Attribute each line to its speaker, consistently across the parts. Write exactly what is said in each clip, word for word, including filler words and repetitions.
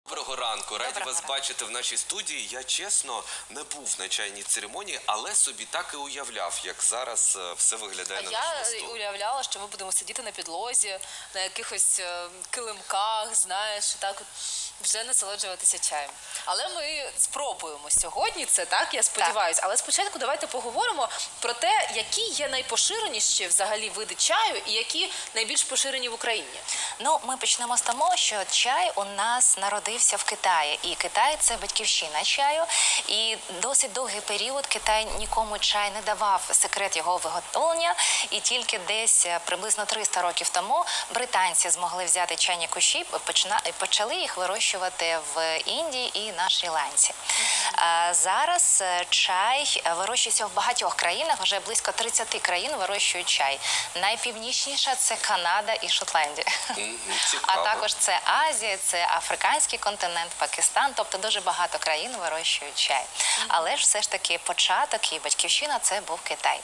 Speaker 1: Доброго ранку, раді
Speaker 2: Доброго
Speaker 1: вас
Speaker 2: ранку.
Speaker 1: бачити в нашій студії. Я чесно не був на чайній церемонії, але собі так і уявляв, як зараз е, все виглядає на
Speaker 2: Я
Speaker 1: нашому столі.
Speaker 2: уявляла, що ми будемо сидіти на підлозі, на якихось е, килимках, знаєш, і так от вже насолоджуватися чаєм. Але ми спробуємо сьогодні це, так, я сподіваюся. Але спочатку давайте поговоримо про те, які є найпоширеніші взагалі види чаю і які найбільш поширені в Україні.
Speaker 3: Ну, ми почнемо з того, що чай у нас народився в Китаї. І Китай – це батьківщина чаю. І досить довгий період Китай нікому чай не давав секрет його виготовлення. І тільки десь приблизно триста років тому британці змогли взяти чайні кущі і почали їх вирощувати в Індії і на Шрі-Ланці. А зараз чай вирощується в багатьох країнах, вже близько тридцяти країн вирощують чай. Найпівнічніша – це Канада і Шотландія.
Speaker 1: Мгм,
Speaker 3: А
Speaker 1: цікаво.
Speaker 3: також це Азія, це африканський континент, Пакистан, тобто дуже багато країн вирощують чай. Але ж все ж таки початок і батьківщина – це був Китай.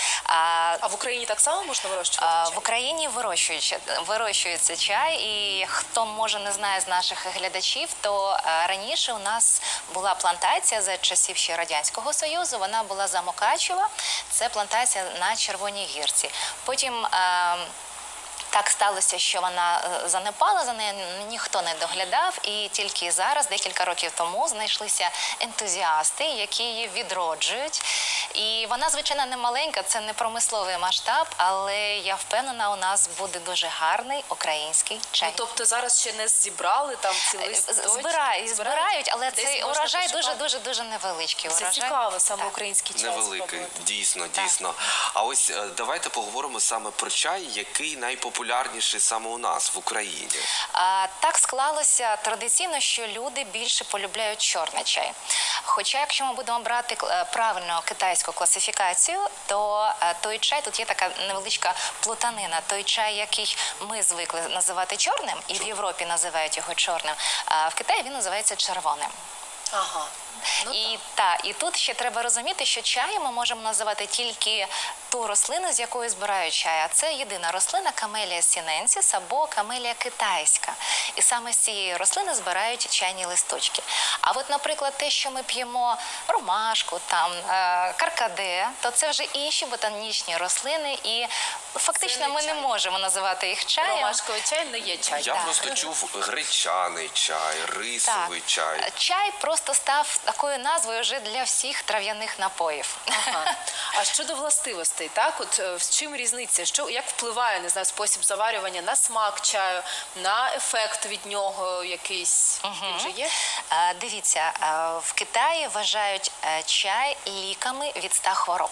Speaker 3: А,
Speaker 2: А в Україні так само можна вирощувати
Speaker 3: а,
Speaker 2: чай?
Speaker 3: в Україні вирощують, вирощується чай, і хто, може, не знає з наших глядачів, то а, раніше у нас була плантація за часів ще Радянського Союзу, вона була за Мукачева, це плантація на Червоній Гірці. Потім а, так сталося, що вона е, занепала, за нею ніхто не доглядав, і тільки зараз, декілька років тому, знайшлися ентузіасти, які її відроджують. І вона, звичайно, не маленька, це не промисловий масштаб, але я впевнена, у нас буде дуже гарний український чай.
Speaker 2: Ну, тобто зараз ще не зібрали там цілий
Speaker 3: З-
Speaker 2: листочок?
Speaker 3: Збирають, збирають, але
Speaker 2: Десь
Speaker 3: цей
Speaker 2: можна
Speaker 3: урожай
Speaker 2: пошукати.
Speaker 3: дуже-дуже-дуже невеличкий.
Speaker 2: Це
Speaker 3: урожай.
Speaker 2: цікаво, саме
Speaker 3: Так.
Speaker 2: український чай
Speaker 1: Невеликий,
Speaker 2: спробувати.
Speaker 1: дійсно, дійсно. А ось е, давайте поговоримо саме про чай, який найпопулярніший саме у нас в Україні.
Speaker 3: А, так склалося традиційно, що люди більше полюбляють чорний чай. Хоча, якщо ми будемо брати е, правильну китайську класифікацію, то е, той чай, тут є така невеличка плутанина. Той чай, який ми звикли називати чорним, і в Європі називають його чорним, а в Китаї він називається червоним.
Speaker 2: Ага. Ну,
Speaker 3: І, та, і тут ще треба розуміти, що чаєм ми можемо називати тільки ту рослину, з якої збирають чай. А це єдина рослина камелія сіненсіс або камелія китайська. І саме з цієї рослини збирають чайні листочки. А от, наприклад, те, що ми п'ємо ромашку, там, е, каркаде, то це вже інші ботанічні рослини. І фактично
Speaker 2: не
Speaker 3: ми не
Speaker 2: чай.
Speaker 3: можемо називати їх чаєм.
Speaker 2: Ромашковий чай не є чай.
Speaker 1: Я
Speaker 3: Так.
Speaker 1: просто чув гречаний чай, рисовий чай.
Speaker 3: Чай просто став такою назвою вже для всіх трав'яних напоїв.
Speaker 2: Ага. А щодо властивостей, так, от е, з чим різниця? Що, як впливає, не знаю, спосіб заварювання на смак чаю, на ефект від нього якийсь? Він вже є?
Speaker 3: Е, Дивіться, е, в Китаї вважають е, чай ліками від ста хвороб.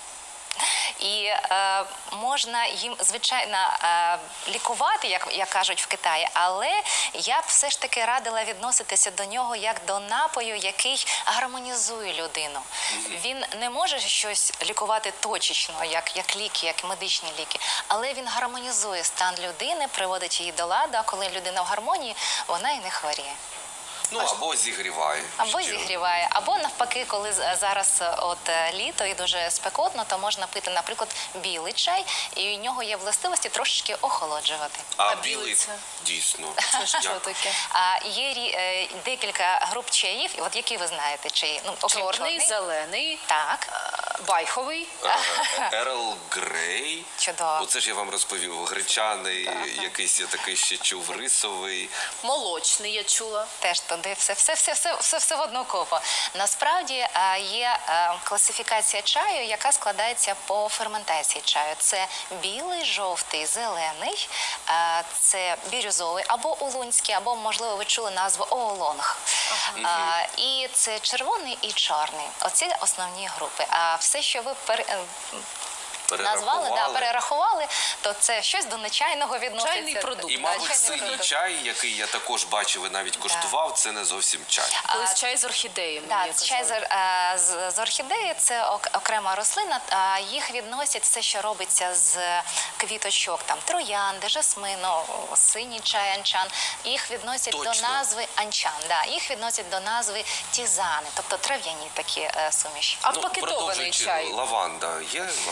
Speaker 3: І е, можна їм, звичайно, е, лікувати, як, як кажуть в Китаї, але я б все ж таки радила відноситися до нього як до напою, який гармонізує людину. Він не може щось лікувати точечно, як, як ліки, як медичні ліки, але він гармонізує стан людини, приводить її до ладу, а коли людина в гармонії, вона і не хворіє.
Speaker 1: Ну, або зігріває.
Speaker 3: Або
Speaker 1: Що?
Speaker 3: зігріває, або навпаки, коли з- зараз е, от е, літо і дуже спекотно, то можна пити, наприклад, білий чай, і у нього є властивості трошечки охолоджувати.
Speaker 1: А,
Speaker 2: А
Speaker 1: білий,
Speaker 2: білий це?
Speaker 1: дійсно.
Speaker 2: Це що
Speaker 1: Як?
Speaker 2: таке?
Speaker 3: А є рі- е, декілька груп чаїв, от які ви знаєте чаї? Ну, окрім
Speaker 2: Чорний,
Speaker 3: чорний.
Speaker 2: зелений,
Speaker 3: Так,
Speaker 2: е, байховий.
Speaker 1: Е, Ерл Грей.
Speaker 3: чудово.
Speaker 1: Оце ж я вам розповів. Гречаний, якийсь я такий ще чув, рисовий.
Speaker 2: Молочний, я чула.
Speaker 3: Теж туди все, все, все, все, все, все в одну купу. Насправді е, є е, класифікація чаю, яка складається по ферментації чаю. Це білий, жовтий, зелений, е, це бірюзовий або улунський, або, можливо, ви чули назву оолонг. Е, І це червоний і чорний. Оці основні групи. А все, що ви пере... е, назвали, да, перерахували, то це щось до нечайного відноситься.
Speaker 2: Чайний продукт.
Speaker 1: І,
Speaker 2: Да,
Speaker 1: мабуть,
Speaker 2: чайний
Speaker 1: синій
Speaker 2: продукт.
Speaker 1: чай, який я також бачив і навіть коштував, це не зовсім чай.
Speaker 2: Колись чай з орхідеєю. мені
Speaker 3: Так, чай з,
Speaker 2: казали.
Speaker 3: е, з, з орхідеї – це ок- окрема рослина. А їх відносять все, що робиться з квіточок, там троянди, жасмину, синій чай, анчан. Їх відносять
Speaker 1: Точно.
Speaker 3: до назви анчан. Да, їх відносять до назви тізани, тобто трав'яні такі е, суміші.
Speaker 2: А
Speaker 1: Ну,
Speaker 2: пакетований
Speaker 1: продовжуючи,
Speaker 2: чай?
Speaker 1: лаванда. Є лаванда?
Speaker 3: Це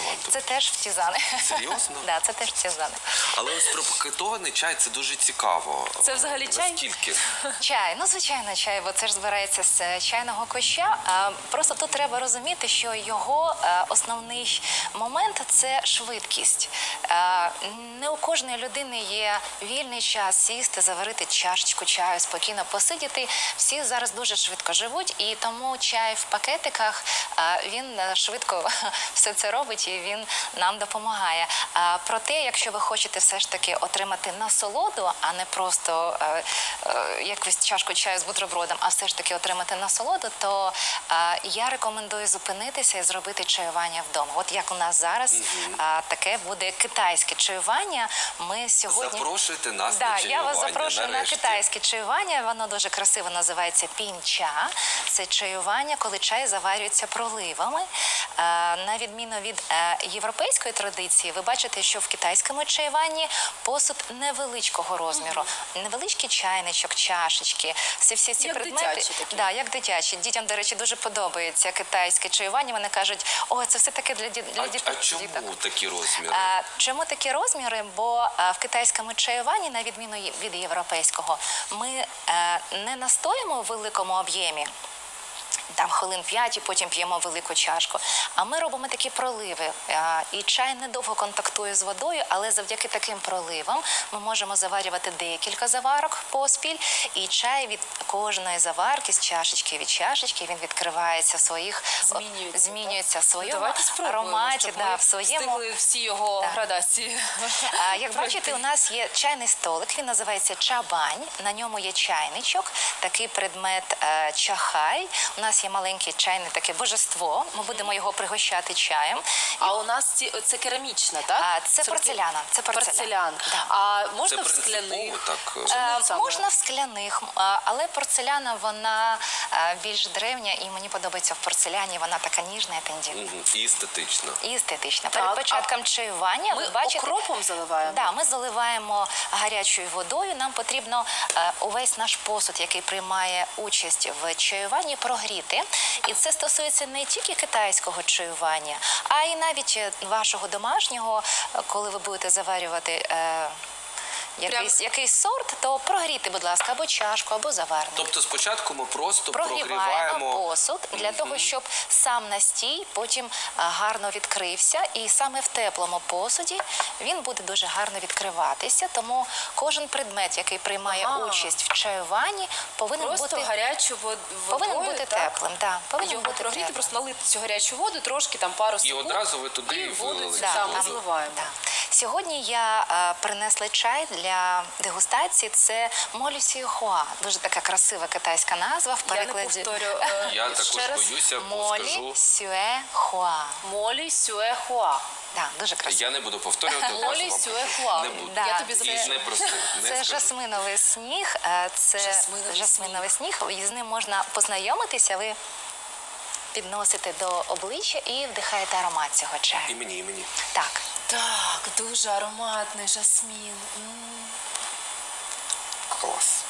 Speaker 3: теж втізани.
Speaker 1: Серйозно?
Speaker 3: Да, це теж втізани.
Speaker 1: Але ось про пакетований чай це дуже цікаво.
Speaker 2: Це взагалі чай?
Speaker 1: Наскільки?
Speaker 3: Чай, ну звичайно, чай, бо це ж збирається з чайного куща. А, просто тут треба розуміти, що його е, основний момент це швидкість. Е, не у кожної людини є вільний час сісти, заварити чашечку чаю, спокійно посидіти. Всі зараз дуже швидко живуть, і тому чай в пакетиках е, він е, швидко все це робить і він нам допомагає. А, проте, якщо ви хочете все ж таки отримати насолоду, а не просто е, е, якусь чашку чаю з бутербродом, а все ж таки отримати насолоду, то е, я рекомендую зупинитися і зробити чаювання вдома. От як у нас зараз е, таке буде китайське чаювання. Ми сьогодні
Speaker 1: Запрошуйте нас
Speaker 3: да,
Speaker 1: на
Speaker 3: я
Speaker 1: чаювання.
Speaker 3: вас запрошую
Speaker 1: нарешті.
Speaker 3: на китайське чаювання. Воно дуже красиво називається пінча. Це чаювання, коли чай заварюється проливами. Е, на відміну від е, європейської традиції, ви бачите, що в китайському чаюванні посуд невеличкого розміру. Невеличкий чайничок, чашечки, всі всі ці
Speaker 2: Як
Speaker 3: предмети.
Speaker 2: дитячі такі.
Speaker 3: Да, як дитячі. Дітям, до речі, дуже подобається китайське чаювання. Вони кажуть, о, це все таки для, ді- для
Speaker 1: А,
Speaker 3: діт-
Speaker 1: а чому
Speaker 3: діток.
Speaker 1: такі розміри?
Speaker 3: А, чому такі розміри? Бо а, в китайському чаюванні, на відміну є- від європейського, ми е, не настоїмо в великому об'ємі. Там хвилин п'ять і потім п'ємо велику чашку. А ми робимо такі проливи. А, І чай недовго контактує з водою, але завдяки таким проливам ми можемо заварювати декілька заварок поспіль. І чай від кожної заварки, з чашечки від чашечки, він відкривається в своїх
Speaker 2: Змінюється,
Speaker 3: змінюється в своєму
Speaker 2: Давайте спробуємо,
Speaker 3: ароматі,
Speaker 2: щоб
Speaker 3: да,
Speaker 2: ми
Speaker 3: в своєму.
Speaker 2: встигли всі його
Speaker 3: Так.
Speaker 2: градації.
Speaker 3: А, Як бачите, у нас є чайний столик, він називається чабань, на ньому є чайничок, такий предмет е, чахай. У нас є маленьке чайне таке божество, ми будемо його пригощати чаєм.
Speaker 2: А у нас ці, це керамічна, так?
Speaker 3: А, це порцеляна, це порцелян.
Speaker 2: порцелян.
Speaker 3: Да.
Speaker 2: А
Speaker 1: Це
Speaker 2: можна в
Speaker 1: принципово
Speaker 2: скляних?
Speaker 1: так.
Speaker 3: Е,
Speaker 2: Ну, саме.
Speaker 3: Можна в скляних, а, але порцеляна, вона е, більш древня, і мені подобається в порцеляні, вона така ніжна і тендітна.
Speaker 1: Мгм. І естетично.
Speaker 3: І естетична.
Speaker 2: Так,
Speaker 3: Перед
Speaker 2: а
Speaker 3: початком чаювання,
Speaker 2: Ми
Speaker 3: ви бачите,
Speaker 2: окропом заливаємо?
Speaker 3: Да, ми заливаємо гарячою водою. Нам потрібно е, увесь наш посуд, який приймає участь в чаюванні, прогріти. І це стосується не тільки китайського чаювання, а й навіть е, вашого домашнього, е, коли ви будете заварювати е, якийсь, якийсь сорт, то прогрійте, будь ласка, або чашку, або заварник.
Speaker 1: Тобто спочатку ми просто
Speaker 3: Прогріваємо
Speaker 1: прогріваємо.
Speaker 3: посуд для того, щоб сам настій потім а, гарно відкрився. І саме в теплому посуді він буде дуже гарно відкриватися. Тому кожен предмет, який приймає
Speaker 2: Ага.
Speaker 3: участь в чаюванні, повинен
Speaker 2: Просто
Speaker 3: бути,
Speaker 2: гарячу вод- водою,
Speaker 3: повинен бути
Speaker 2: так?
Speaker 3: теплим. Да, повинен
Speaker 2: Його
Speaker 3: бути
Speaker 2: прогріти,
Speaker 3: теплим.
Speaker 2: просто налити цю гарячу воду, трошки там пару
Speaker 1: І
Speaker 2: секунд.
Speaker 1: одразу ви туди
Speaker 2: і воду
Speaker 1: вилили
Speaker 2: цю
Speaker 1: цю
Speaker 2: там
Speaker 1: воду.
Speaker 2: зливаємо.
Speaker 3: Да. Сьогодні я е, принесла чай для дегустації. Це молі сюехуа. Дуже така красива китайська назва в
Speaker 2: Я не
Speaker 3: перекладі.
Speaker 2: повторю. е,
Speaker 1: Я також
Speaker 2: ще раз.
Speaker 1: боюся, бо
Speaker 3: Молі
Speaker 1: скажу.
Speaker 3: сюехуа.
Speaker 2: Молі сюехуа.
Speaker 3: Да, дуже красиво.
Speaker 1: Я не буду повторювати.
Speaker 2: Молі
Speaker 1: одразу вам
Speaker 2: сюехуа.
Speaker 1: Не буду.
Speaker 3: Да,
Speaker 2: Я тобі
Speaker 3: це-
Speaker 2: запишу.
Speaker 1: І не прости. Не
Speaker 3: Це
Speaker 1: скажу.
Speaker 3: жасминовий сніг. е, Це
Speaker 2: Жасминовий
Speaker 3: жасминовий сніг. І з ним можна познайомитися. Ви підносите до обличчя і вдихаєте аромат цього
Speaker 1: І
Speaker 3: чаю.
Speaker 1: мені, і мені.
Speaker 3: Так.
Speaker 2: Так, дуже ароматний жасмін. М.
Speaker 1: Клас.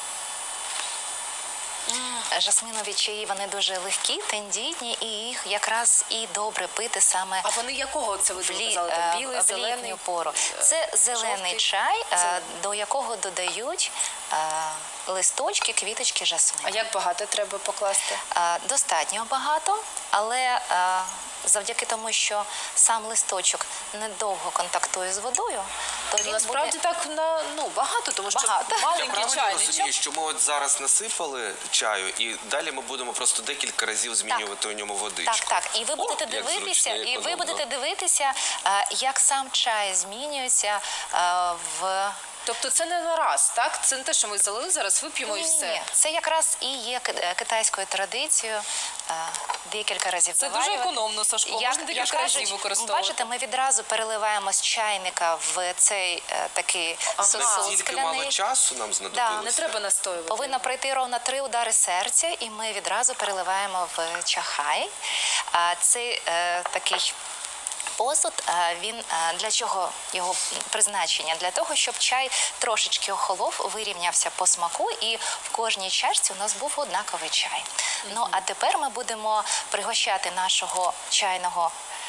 Speaker 3: Жасминові чаї, вони дуже легкі, тендітні, і їх якраз і добре пити саме
Speaker 2: А вони якого це ви
Speaker 3: в, лі,
Speaker 2: казали?
Speaker 3: е,
Speaker 2: Там білий,
Speaker 3: в
Speaker 2: зелений?
Speaker 3: літню пору. Це зелений
Speaker 2: жовтий?
Speaker 3: чай, е,
Speaker 2: Зелений.
Speaker 3: до якого додають е, листочки, квіточки жасмину.
Speaker 2: А як багато треба покласти?
Speaker 3: Е, Достатньо багато, але е, завдяки тому, що сам листочок недовго контактує з водою, то він
Speaker 2: Насправді
Speaker 3: буде...
Speaker 2: так на ну багато, тому що
Speaker 3: Багато.
Speaker 1: Я
Speaker 2: маленький
Speaker 1: правильно
Speaker 2: чайничок.
Speaker 1: розумію, що ми от зараз насипали чаю, і далі ми будемо просто декілька разів змінювати у ньому водичку.
Speaker 3: Так, так. І ви
Speaker 1: О,
Speaker 3: будете
Speaker 1: як
Speaker 3: дивитися,
Speaker 1: зручно,
Speaker 3: і ви
Speaker 1: економно.
Speaker 3: будете дивитися, е, як сам чай змінюється е, в
Speaker 2: Тобто це не на раз, так? Це не те, що ми залили, зараз вип'ємо і
Speaker 3: Ні,
Speaker 2: все.
Speaker 3: це якраз і є ки- е, китайською традицією е, декілька разів
Speaker 2: Це дуже
Speaker 3: заварювати.
Speaker 2: економно, Сашко, можна декілька разів використовувати.
Speaker 3: Бачите, ми відразу переливаємо з чайника в цей е, такий сосуд
Speaker 1: Настільки мало
Speaker 3: скляний.
Speaker 1: часу нам знадобилося.
Speaker 2: Не треба настоювати.
Speaker 3: Повинно пройти ровно три удари серця, і ми відразу переливаємо в чахай. А Це е, такий посуд, е, він е, для чого його призначення? Для того, щоб чай трошечки охолов, вирівнявся по смаку, і в кожній чашці у нас був однаковий чай. Ну, а тепер ми будемо пригощати нашого чайного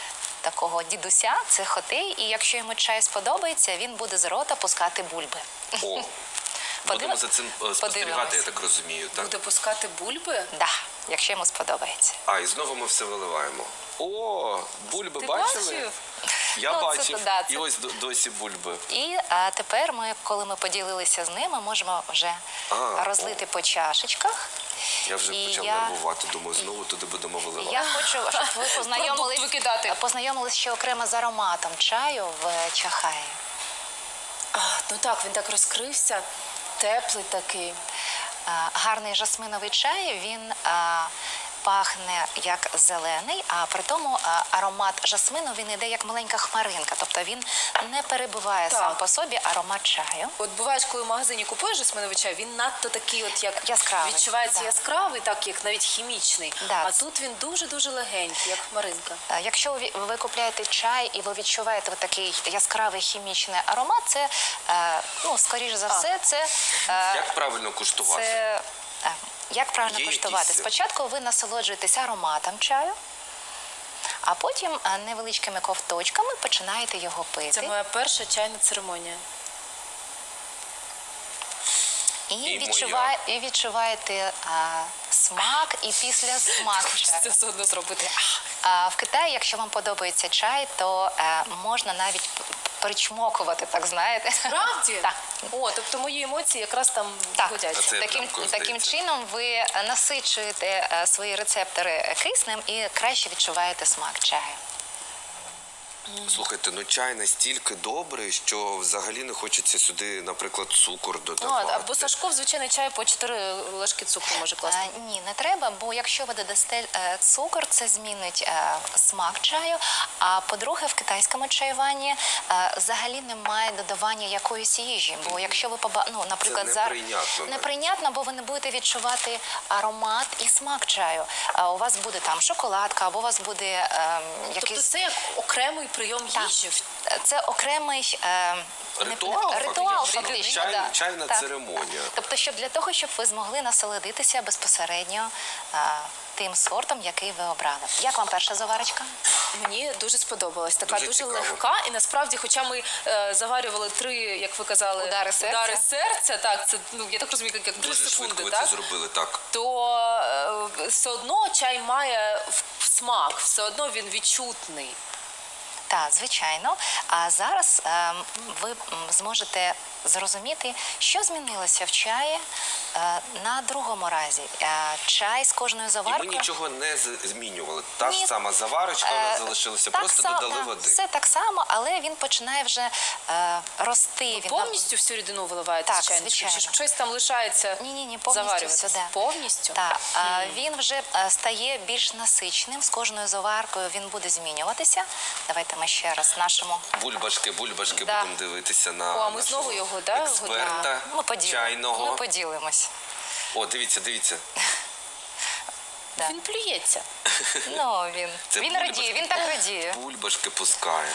Speaker 3: такого дідуся, це Хотей, і якщо йому чай сподобається, він буде з рота пускати бульби.
Speaker 1: О, будемо за цим е, спостерігати, я так розумію, так?
Speaker 2: Буде пускати бульби.
Speaker 3: Да, якщо йому сподобається.
Speaker 1: А, і знову ми все виливаємо. О, бульби
Speaker 2: Ти
Speaker 1: бачили?
Speaker 2: бачив?
Speaker 1: Я
Speaker 3: Ну, це
Speaker 1: бачив.
Speaker 3: то да,
Speaker 1: І
Speaker 3: це-
Speaker 1: ось до- досі бульби.
Speaker 3: І а, тепер ми, коли ми поділилися з ними, можемо вже
Speaker 1: А,
Speaker 3: розлити по чашечках.
Speaker 1: Я вже
Speaker 3: І
Speaker 1: почав
Speaker 3: я-
Speaker 1: нервувати, думаю, знову туди будемо виливати.
Speaker 3: Я хочу, щоб ви познайомились,
Speaker 2: Продукт викидати.
Speaker 3: познайомились ще окремо з ароматом чаю в Чахаї.
Speaker 2: А, ну так, він так розкрився, теплий такий.
Speaker 3: А, гарний жасминовий чай, він а, пахне як зелений, а при тому а, аромат жасмину він іде як маленька хмаринка, тобто він не перебиває
Speaker 2: Так.
Speaker 3: сам по собі аромат чаю.
Speaker 2: От буваєш, коли в магазині купуєш жасминовий чай, він надто такий, от як
Speaker 3: Яскравий,
Speaker 2: відчувається
Speaker 3: да.
Speaker 2: яскравий, так як навіть хімічний.
Speaker 3: Да,
Speaker 2: А
Speaker 3: це-
Speaker 2: тут він дуже-дуже легенький, як хмаринка.
Speaker 3: Е, Якщо ви ви купляєте чай і ви відчуваєте от такий яскравий хімічний аромат, це, е, ну, скоріш за все, це, е,
Speaker 1: Як правильно куштувати?
Speaker 3: це е, як правильно
Speaker 1: Є
Speaker 3: куштувати?
Speaker 1: якісь-
Speaker 3: Спочатку ви насолоджуєтесь ароматом чаю, а потім е, невеличкими ковточками починаєте його пити.
Speaker 2: Це моя перша чайна церемонія.
Speaker 3: І,
Speaker 1: І
Speaker 3: відчуває, і відчуваєте а, смак, і після смак
Speaker 2: Хочеться
Speaker 3: чаю.
Speaker 2: все одно зробити.
Speaker 3: А в Китаї, якщо вам подобається чай, то е, можна навіть п- причмокувати, так знаєте.
Speaker 2: Правді?
Speaker 3: Так.
Speaker 2: О, тобто мої емоції якраз там
Speaker 3: Так,
Speaker 2: годяться.
Speaker 1: Це
Speaker 3: таким,
Speaker 1: прям коли
Speaker 3: таким
Speaker 1: здається.
Speaker 3: чином ви насичуєте е, свої рецептори киснем і краще відчуваєте смак чаю.
Speaker 1: Слухайте, ну чай настільки добрий, що взагалі не хочеться сюди, наприклад, цукор
Speaker 2: Ну,
Speaker 1: додавати.
Speaker 2: або Сашко в звичайний чай по чотири ложки цукру може класти.
Speaker 3: Е, ні, не треба, бо якщо ви додасте е, цукор, це змінить е, смак чаю. А по-друге, в китайському чаюванні е, взагалі немає додавання якоїсь їжі. Бо якщо ви поба... ну, наприклад, зараз
Speaker 1: неприйнятно навіть.
Speaker 3: неприйнятно, бо ви не будете відчувати аромат і смак чаю. А у вас буде там шоколадка, або у вас буде е,
Speaker 2: Тобто
Speaker 3: якийсь
Speaker 2: це як окремий прийом
Speaker 3: Так.
Speaker 2: їжі.
Speaker 3: Це окремий е, не-
Speaker 1: Ритуал,
Speaker 3: ритуал
Speaker 1: фактично.
Speaker 3: фактично.
Speaker 1: Чай-
Speaker 3: да.
Speaker 1: чайна
Speaker 3: Так.
Speaker 1: церемонія.
Speaker 3: Тобто, щоб для того, щоб ви змогли насолодитися безпосередньо е, тим сортом, який ви обрали. Як вам перша заварочка?
Speaker 2: Мені дуже сподобалась. Така
Speaker 1: Дуже
Speaker 2: дуже,
Speaker 1: цікаво.
Speaker 2: легка. І насправді, хоча ми е, заварювали три, як ви казали,
Speaker 3: Удари серця.
Speaker 2: удари серця, так, це, ну, я так розумію, як, як три
Speaker 1: Дуже швидко
Speaker 2: секунди,
Speaker 1: ви
Speaker 2: так?
Speaker 1: це зробили, так.
Speaker 2: То е, все одно чай має в- смак, все одно він відчутний.
Speaker 3: Так, звичайно. А зараз е, ви м, зможете зрозуміти, що змінилося в чаї е, на другому разі. Е, чай з кожною
Speaker 1: І ми
Speaker 3: заваркою.
Speaker 1: нічого не з- змінювали. Та ж
Speaker 3: Ні.
Speaker 1: сама заварочка, вона
Speaker 3: Е,
Speaker 1: залишилася,
Speaker 3: так
Speaker 1: просто
Speaker 3: само,
Speaker 1: додали
Speaker 3: да,
Speaker 1: води.
Speaker 3: Все так само, але він починає вже е, рости. Він на-
Speaker 2: Повністю всю рідину виливаєте
Speaker 3: Так,
Speaker 2: з чайничка? Чи
Speaker 3: звичайно.
Speaker 2: щось там лишається
Speaker 3: Ні, ні, ні, повністю
Speaker 2: заварюватися?
Speaker 3: сюди.
Speaker 2: Повністю?
Speaker 3: Так, а, він вже е, стає більш насичним. З кожною заваркою він буде змінюватися. Давайте ми ще раз нашому
Speaker 1: Бульбашки, бульбашки
Speaker 3: Да.
Speaker 1: будемо дивитися на
Speaker 2: О, а ми
Speaker 1: нашого
Speaker 2: знову його, да,
Speaker 1: експерта
Speaker 3: ми, поділ...
Speaker 1: чайного.
Speaker 3: ми поділимось.
Speaker 1: О, дивіться, дивіться.
Speaker 3: Да.
Speaker 2: Він плюється.
Speaker 3: Ну, він,
Speaker 1: Це
Speaker 3: він
Speaker 1: бульбашки.
Speaker 3: радіє, він так радіє.
Speaker 1: Бульбашки пускає.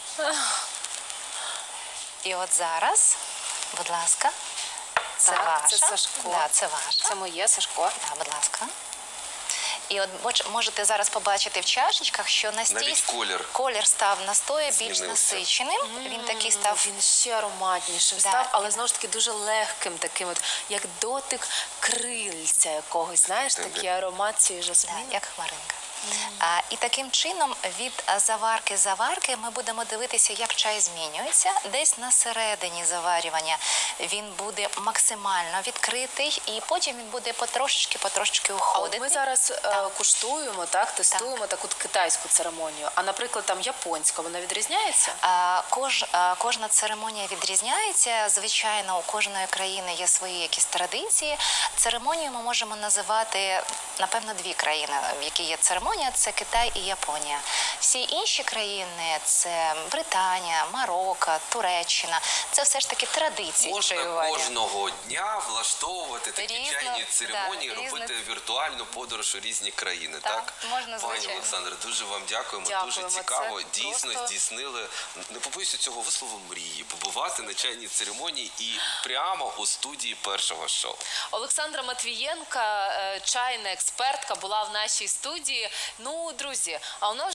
Speaker 3: І от зараз, будь ласка, це
Speaker 2: Так,
Speaker 3: ваша.
Speaker 2: це Сашко.
Speaker 3: Да, це ваша.
Speaker 2: Це моє, Сашко.
Speaker 3: Да, будь ласка. І от боч- можете зараз побачити в чашечках, що настій
Speaker 1: Навіть колір.
Speaker 3: колір став настою більш
Speaker 1: Змінився.
Speaker 3: насиченим. Він такий став.
Speaker 2: Він ще ароматнішим
Speaker 3: Да.
Speaker 2: став, але знову ж таки дуже легким, таким от, як дотик крильця якогось, знаєш,
Speaker 1: Так,
Speaker 2: такий
Speaker 1: так.
Speaker 2: аромат цієї
Speaker 3: Да,
Speaker 2: жасмини.
Speaker 3: як хмаринка. А, і таким чином від а, заварки заварки ми будемо дивитися, як чай змінюється. Десь на середині заварювання він буде максимально відкритий, і потім він буде потрошечки, потрошечки
Speaker 2: А от
Speaker 3: уходити.
Speaker 2: ми зараз е, куштуємо, так, тестуємо таку китайську церемонію. А, наприклад, там японська, вона відрізняється?
Speaker 3: А, Кож, а, кожна церемонія відрізняється. Звичайно, у кожної країни є свої якісь традиції. Церемонію ми можемо називати, напевно, дві країни, в які є церемонія. Це Китай і Японія. Всі інші країни – це Британія, Марокко, Туреччина. Це все ж таки традиції
Speaker 1: Можна
Speaker 3: чаювання.
Speaker 1: кожного дня влаштовувати такі
Speaker 3: Різно,
Speaker 1: чайні церемонії,
Speaker 3: да,
Speaker 1: робити
Speaker 3: різно.
Speaker 1: віртуальну подорож у різні країни.
Speaker 3: Так,
Speaker 1: Так,
Speaker 3: можна,
Speaker 1: Пані
Speaker 3: звичайно.
Speaker 1: Олександре, дуже вам дякуємо.
Speaker 2: Дякуємо,
Speaker 1: Дуже
Speaker 2: це
Speaker 1: цікаво. Дійсно
Speaker 2: просто-
Speaker 1: здійснили, не побоюся цього вислову, мрії, побувати на чайній церемонії і прямо у студії першого шоу.
Speaker 2: Олександра Матвієнка, е, чайна експертка, була в нашій студії. Ну, друзі, а у нас